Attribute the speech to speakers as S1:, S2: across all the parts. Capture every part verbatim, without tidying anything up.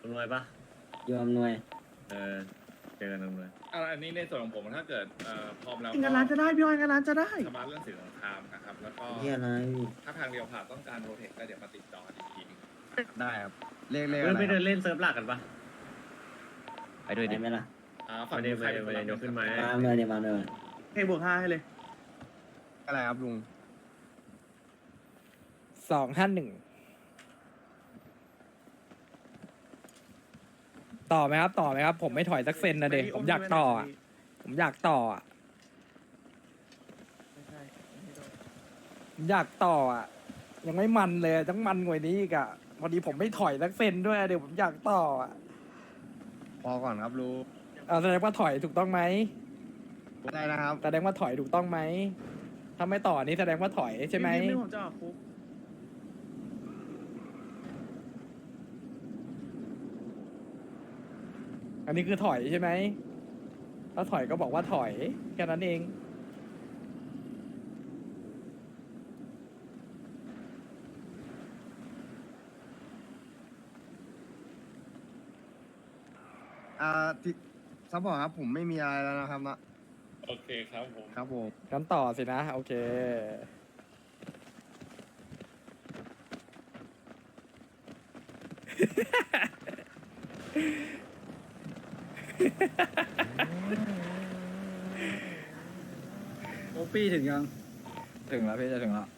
S1: ำนวยปะ
S2: ยอมหน่วย
S1: เออเจอกันอำนวย
S3: อ่าอันนี้ในส่วนของผมถ้าเกิดเอ่อพร้อมแล้ว
S4: งานร้านจะได้พี่ออยงานร้านจะได้
S3: สมาร์ทเรื่องสื่อสงครามนะครับแล้วก็
S2: เฮียอะไร
S3: ถ้าทางเดียวผ่านต้องการโรเทคก็เดี๋ยวมาติดต่ออีกทีหนึง
S5: ได้ครับเลขเลข
S1: เพื่
S5: อะ
S1: อน
S5: ไร
S1: ไป
S5: ค
S1: เดิ
S5: รับ
S1: นเล่นเซิร์ฟหลักกันปะ
S5: ไปด้วย
S2: ไป
S5: ดิ
S2: ไหมล่ะ
S3: อ่าฝั่ง
S1: ไม่ได้
S3: ใครเป็นคน
S1: ไม่ได้
S3: รับ
S1: ยกขึ้นมา
S2: มาเมื่อเนี่ยมาเมื่อ
S4: ให้บวกห้าให้เลย
S5: อะไรครับลุง
S6: สองห้าหนึ่งต่อไหมครับต่อไหมครับ ผมไม่ถอยสักเซนนะเด็กผมอยากต่ออะผมอยากต่ออะผมอยากต่ออะยังไม่มันเลยต้องมันกว่านี้อีกอะพอดีผมไม่ถอยสักเซนด้วยเดี๋ยวผมอยากต่ออะ
S5: พอก่อนครับลุง
S6: เอาแสดงว่าถอยถูกต้องไหม
S5: ได้นะครับ
S6: แสดงว่าถอยถูกต้องไหมถ้าไม่ต่อนี่แสดงว่าถอยใช่ไหม
S4: นี่ผมจะออกคุก
S6: อันนี้คือถอยใช่ไหมถ้าถอยก็บอกว่าถอยแค่นั้นเอง
S5: อ่าที่ซัพพอร์ตครับผมไม่มีอะไรแล้วนะครับนะ
S3: โอเคครับผม
S5: ครับผม
S6: งั้นต่อสินะ โอเค
S5: โอปี้ถึงยังถึงแล้วพี่จะถึงแล้ว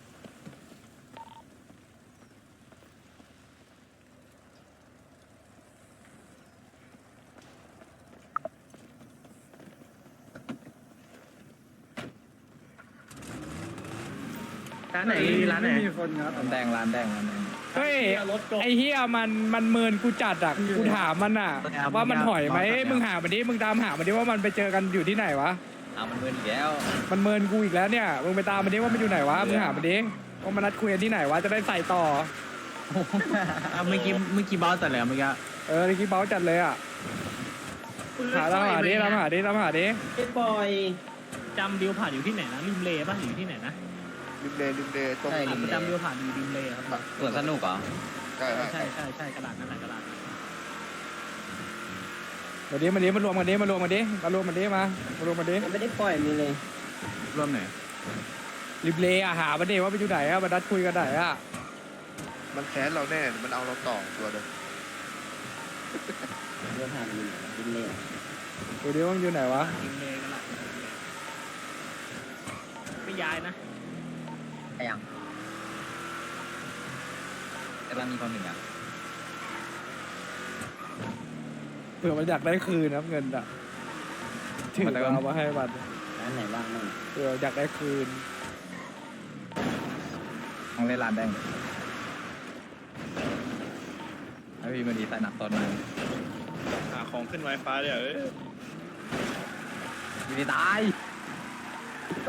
S1: ร้านไหนร้านไหน
S5: ไม่มีคนครับร้านแดงร้านแดงร้านแดง
S6: เฮ้ยไอเฮียมันมันเมินกูจัดอ่ะกูถามมันอ่ะ
S5: ครับ
S6: ว่ามันถอยไหม
S5: ครับ
S6: มึงหามันดิมึงตามหามันดิว่ามันไปเจอกันอยู่ที่ไหนวะ
S5: เอามันเมินอีกแล้ว
S6: มันเมินกูอีกแล้วเนี่ยมึงไปตามมันดิว่ามันอยู่ไหนวะมึงหามันดิว่ามันนัดคุยกันที่ไหนวะจะได้ใส่ต่อ
S5: เมื่อกี้เมื่อกี้บอสแต่แล้วเมื่อกี้
S6: เออเมื่อกี้เบ้าจัดเลยอ่ะหาตามหาดิตามหาดิตามหาดิ
S2: เอ็ดบอย
S7: จำดิวผ่านอยู่ที่ไหนนะริมเลป่ะหรือที่ไหนนะ
S8: ริมเลริมเลตรง
S5: ใช่
S7: อ่ะจำดิวผ่านอยู่ริมเลครับ
S5: สวนสนุกเหรอ
S8: ใช่
S7: ใช่
S8: ใช่
S7: ใช่ใช่ใช่กระดาษนั่นแหละกระดาษนั้น
S6: มาดิมาดิมารวมกันดิมารวมกันดิมารวมกันดิมามารวมกันดิ
S2: ยังไม่ได้ปล่อยมีเลย
S5: ร่วมไหน
S6: ริบเลอะหามันดิว่าไปอยู่ไหนอะมานัดคุยกันไหนอะ
S8: มันแค้นเราแน่ มันเอาเราต่อตัวเดิม
S2: เรื่องผ่านมีดินเลย
S6: ดูดิว่ามันอยู่ไหนวะ
S7: ริมเลกระดาษไม่ย้ายนะ
S5: ไอ้ยังแต่บ้านมีคนหนึ่งอ่ะ
S6: เผื่อมันอยากได้คืนนะครับเงินอะถือเอามาให้มัน
S2: ร้านไหนบ้างมั่ง
S6: เผื่ออยากได้คืน
S5: ต้องเล่นร้านแดงไอพี่มาดีใส่หนักตอนนั้น
S3: หาของขึ้นไวไฟเนี่ยเอ้ย
S5: อยู่ดีตายผม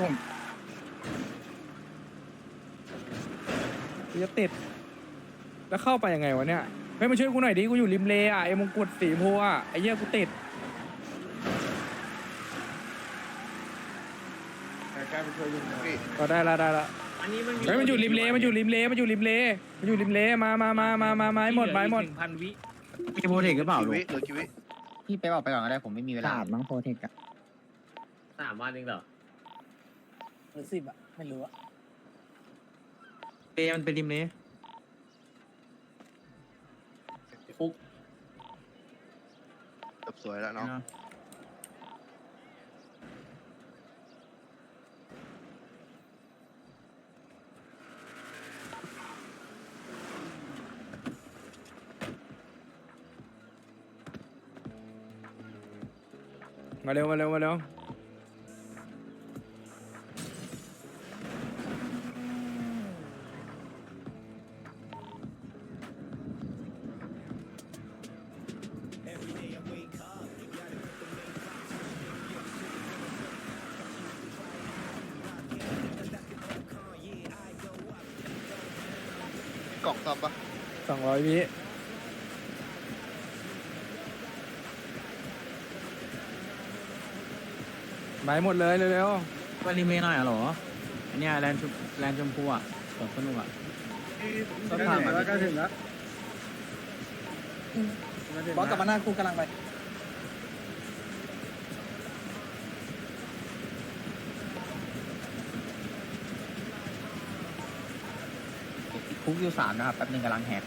S6: กูจะติด แล้วเข้าไปยังไงวะเนี่ยเฮ้ยมาช่วยกูหน่อยดิ กูอยู่ริมเลอ่ะไอ้มงกุฎสีชมพูอ่ะไอ้เหี้ยกูติด
S8: นี่
S6: ก็ได้ละได้ละ
S7: อันนี้มันมี
S6: เฮ้ยมันอยู่ริมเลมันอยู่ริมเลมันอยู่ริมเลมันอยู่ริมเลมามามามามาไม้หมดไม้หมด
S7: นึ่งพันวิ
S5: มีโปรเทคหรือเปล่า
S8: คิ
S5: ลู
S8: วิ
S5: ก
S8: เหลือคิวิ
S5: พี่ไปบอกไปก่อนก็ได้ผมไม่มีเวลามั้งโปรเทคอะ
S1: สามวันเองเหรอ
S6: หรือสิบอ่ะไม่รู้อ่ะ
S5: เปมันเป็นริมนี้
S1: ฟุก
S8: จบสวยแล้วเนาะ
S6: มาเร็วมาเร็วมาเร็ว
S8: กล่องซ่อมปะ
S6: สองร้อยวิไม้หมดเลยเร็ว
S5: วันริมนี้หน่อยเหรออันเนี้ยแลนด์ชมแลนด์ชมพูอ่ะสวนสนุกอ่ะ
S6: ๆก็ผ่านมาแล้วก็ถึงแล้ว
S4: มาถึง
S5: บอสกลับมาหน้าคุกกำลังไป
S2: คุกอยู่สามนะครับแป๊บนึงกำลังแหก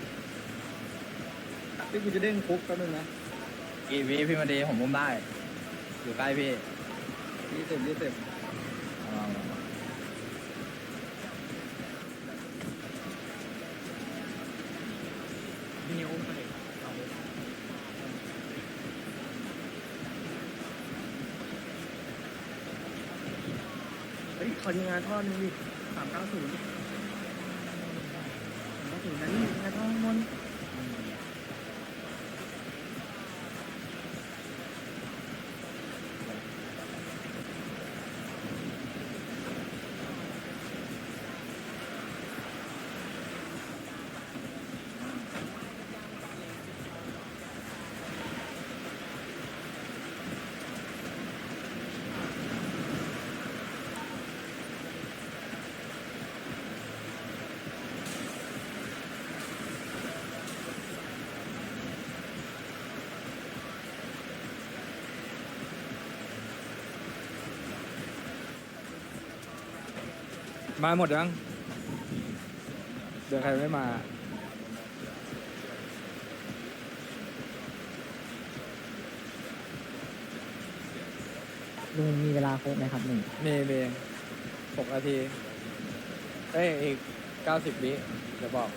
S5: พี่กูจะเด้งคุกแป๊บนึงนะกี่วิพี่มาดีผมมุมได้ อยู่ใกล้พี่ยี่สิบยี่สิบ
S7: พี่นิวอุ้มไปเลยเอา
S4: เฮ้ยขอยิงงานท่อหนึงดิสามเก้าศูนย์สามเก้าศูนย์นะนี่งานท่อข้างบน
S6: มาหมดยังเดี๋ยวใครไม่มา
S2: ลุงมีเวลาครบไหมครับหนึ่ง
S6: เมย์เมย์หกนาทีเอ้ยอีกเก้าสิบวิเดี๋ยวบอก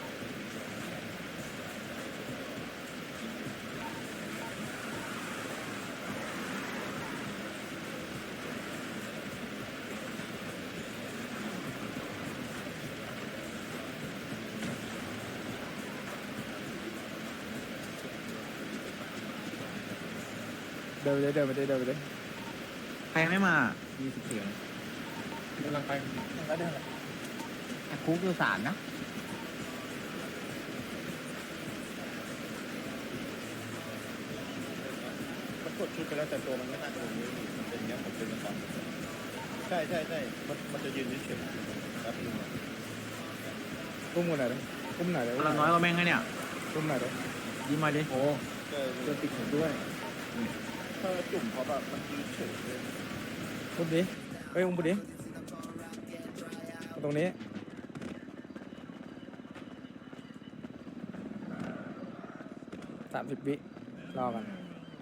S6: เดินไปเลยเดินไปเลยเดินไปเลย
S5: ใครไม่มายี่สิบสี่
S1: กำลังไป
S5: แล้วเดิน
S2: คุกอยู่สามนะ
S8: มันกดชุดไปแล้วแต่ตัวมันไม่น่าจะลงนี้มันเป็นอย่างเงี้ยผมเป็นประจำใช่ใช่ใช่มันมันจะยืนเฉยๆแป๊บนึงอะ
S6: กุ้มกูหน่อยเลยกุ้มหน่อยเลย
S5: เราน้อยกว่าแม่งไงเนี่ย
S6: กุ้มหน่อยเลย
S5: ยิ้มมาดิ
S4: โอ้
S8: ก็
S4: เจอติดผมด้วย
S8: ถ้าจุ่มเขาแบบมันยืนเฉยเลย
S6: กุ้มดิเอ้ยอุ้มกูดิตรงนี้สามสิบวิรอกัน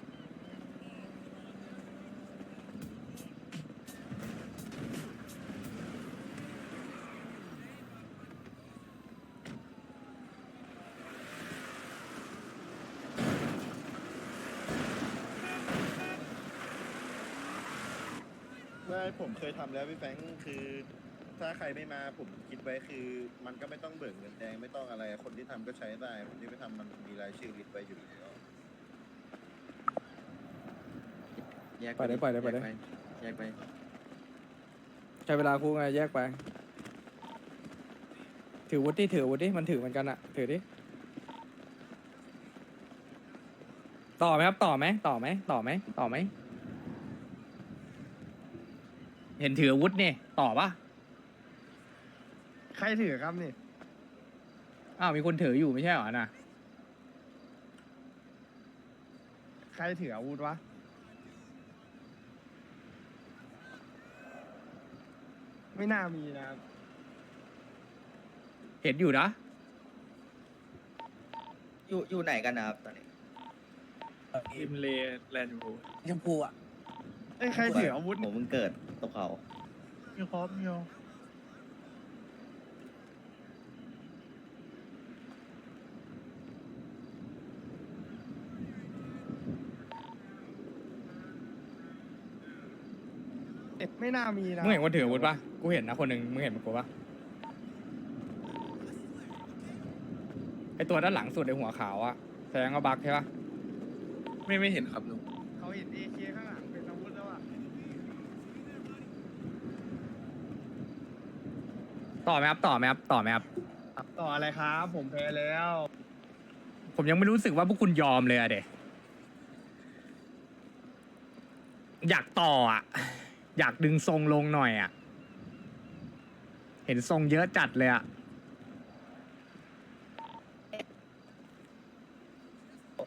S8: ไม่ผมเคยทำแล้วพี่แฟรงค์คือ ถ้าใครไม่มาผมคิดไว้คือ มันก็ไม่ต้องเบิกเงินแดงไม่ต้องอะไรคนที่ทำก็ใช้ได้คนที่ไม่ทำมันมีรายชื่อลิสต์ไว้อยู่แล้ว
S6: ปล่อยได้ปล่อยได้ปล่อยได้
S1: แยกไป
S6: ใช้เวลาคู่ไงแยกไป ถือวุฒิถือวุฒิมันถือเหมือนกันอะถือดิต่อไหมครับต่อไหมต่อไหมต่อไหมต่อไหมเห็นถืออาวุธนี่ต่อปะ
S4: ใครถือครับนี่
S6: อ้าวมีคนถืออยู่ไม่ใช่เหรอน่ะ
S4: ใครถืออาวุธวะไม่น่ามีนะครับ
S6: เห็นอยู่นะ
S5: อยู่อยู่ไหนกันนะครับตอนนี้
S1: ริมเลแลนด์บู
S5: ชมพูอ่ะ
S4: เอ้ยใครถืออาวุธ
S5: ผมเพิ่งเกิดตกเขา
S4: มีครบมีครบเอ็ดไม่น่ามีนะ
S6: มึงเห็นคนถืออาวุธปะกูเห็นนะคนหนึ่งมึงเห็นมันกูปะไอตัวด้านหลังสุดไอหัวขาวอะแสดงว่าบักใช่ปะ
S1: ไม่ไม่เห็นครับลุง
S4: เขาเห็นเอเคข้างหลังเป็นอาวุธแล้วอ่ะ
S6: ต่อไหมครับต่อไหมครับต่อไหมครับ
S4: ต่ออะไรครับ ผมแพ้แล้ว
S6: ผมยังไม่รู้สึกว่าพวกคุณยอมเลยอะเด็อยากต่ออะอยากดึงทรงลงหน่อยอะเห็นทรงเยอะจัดเลยอะ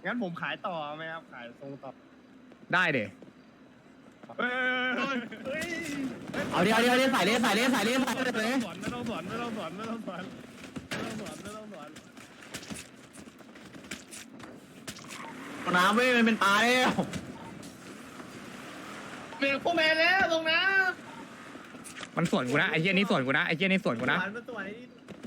S4: งั้นผมขายต่อไหมครับขายทรงต่อ
S6: ได้เด
S4: เฮ้ยเฮ้ย
S2: เอาดิเอาดิเอาดิใส่เลยใส่เลยใส่เลยใส่เลย
S4: ไม่ต้องสอนไม่ต้องสอนไม่ต้องสอนไม่ต้องสอนไม่ต้องสอนไม่ต้องสอน
S2: น้ำเว้ยมันเป็นปลาแล้ว
S4: เป็นพวกแมนแล้วตรงน้
S6: มันส่วนกูนะไอ้เหี้ยนี่ส่วนกูนะไอ้เหี้ยนี่ส่วน
S4: ำ
S6: กูนะ
S4: หวานมาตัวนี้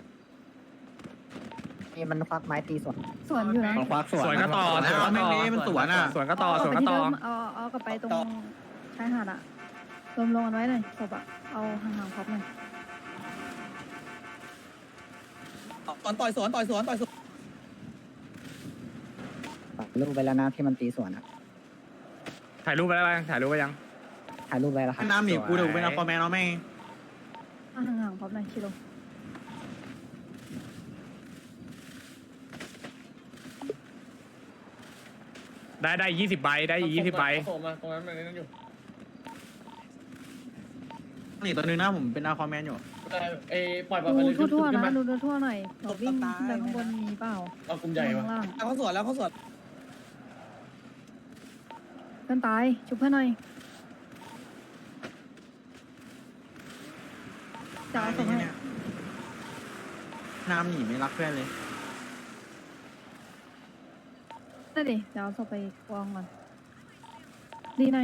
S2: นี่มันควักไม้ตีสวน
S9: สวนอยู่นะ
S2: มันควักสวน
S6: สวนก็ต่อสวนก็
S2: แม่
S6: ต่
S2: ง
S6: อ
S2: นี้มันสวนอ่ะ
S6: สวนก็ต่อสวนก็ต่อ
S9: เอาเอาเอากลับไปตรงชายหาดอะรวมลงกันไว้หน่อยศพอะเอาห่างๆครบหน่อย
S2: ตอนต่อยสวนต่อยสวนต่อยสวนรูปไปแล้วนะที่มันตีสวนอ่ะ
S6: ถ่ายรูปไปแล้วยังถ่ายรูปไปยัง
S2: ถ่ายรูปไปแล้วครับน้ำหนีกูเดี๋ยวเป็นอัลฟาแมนเอาแม่ง
S9: เอาห่างๆครบหน่อยชิโร่
S6: ได้ได้ยี่สิบใบได้ยี่สิบใบ
S1: ส่งมาตรงนั้นมันนั่นอยู่
S2: นี่ตัวนึงนะผมเป็นอัลฟาแมนอยู่
S1: เอ้ปล่อยปล่อยไปเลย
S9: ดูทั่วๆนะดูทั่วๆหน่อยหนกวิ่งขึ้นไปข้างบนมีเปล่า
S1: เอากลุ่มใหญ่
S9: ข้า
S1: ปะ
S9: งล่าง
S2: เขาสวนแล้วเขาสวน
S9: เพื่อนตายชุบเพื่อนหน่อยจะเอาศพให้
S2: น้ำหนีไม่รักเพื่อนเลย
S9: ได้ดิเดี๋ยวเอาศพไปกองก่อนดีหน่อย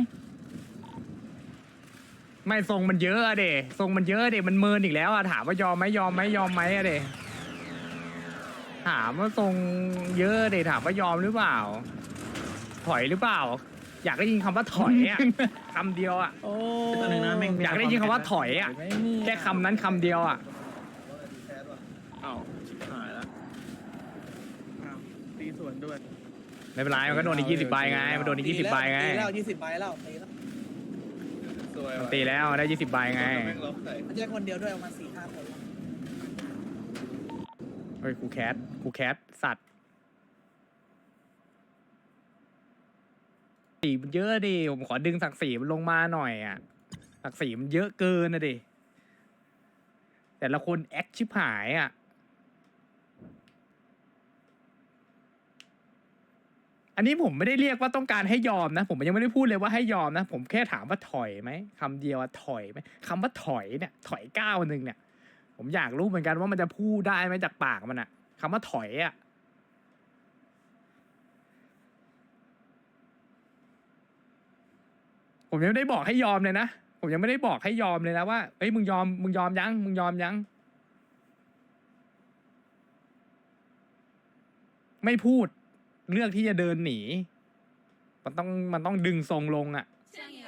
S6: ไม่ทรงมันเยอะอะเดทรงมันเยอะเดมันเมินอีกแล้วอะถามว่ายอมไหมยอมไหมยอมไหมอะเดถามว่าทรงเยอะเดถามว่ายอมหรือเปล่า ถอยหรือเปล่า อยากได้ยินคำว่าถอยอะคำเดียวอะ
S5: โอ้
S2: ตัวนึงนะแม่ง
S6: อยากได้ยินคำว่าถอยอะ
S5: ไม่มี
S6: แค่คำนั้นคำเดียวอะ
S1: อ้าวชิบหายแล้ว
S4: ตีสวนด้วย
S6: ไม่เป็นไรมันก็โดนอีกยี่สิบใบไงมันโดนอีกยี่สิบใบไง
S2: ตีแล้วยี่สิบใบแล้วตีแล้ว
S1: สวย
S6: มัน
S1: ว่ะ
S6: ตีแล้วได้ยี่สิบใบไง
S1: แม่งล็อกใส่
S2: มันจะคนเดียวด้วยประมาณสี่ห้าคน
S6: เฮ้ยกูแคสกูแคสสัตว์สีมันเยอะดิผมขอดึงศักดิ์ศรีมันลงมาหน่อยอ่ะศักดิ์ศรีมันเยอะเกินนะดิแต่ละคนแอคชิบหายอ่ะอันนี้ผมไม่ได้เรียกว่าต้องการให้ยอมนะ ผมยังไม่ได้พูดเลยว่าให้ยอมนะ ผมแค่ถามว่าถอยไหมคำเดียวอะถอยไหมคำว่าถอยเนี่ยถอยก้าวหนึ่งเนี่ย ผมอยากรู้เหมือนกันว่ามันจะพูดได้ไหมจากปากมันอะคำว่าถอยอะผมยังไม่ได้บอกให้ยอมเลยนะผมยังไม่ได้บอกให้ยอมเลยนะว่าเอ้ยมึงยอมมึงยอมยังมึงยอมยังไม่พูดเลือกที่จะเดินหนีมันต้องมันต้องดึงทรงลงอะ
S10: 想要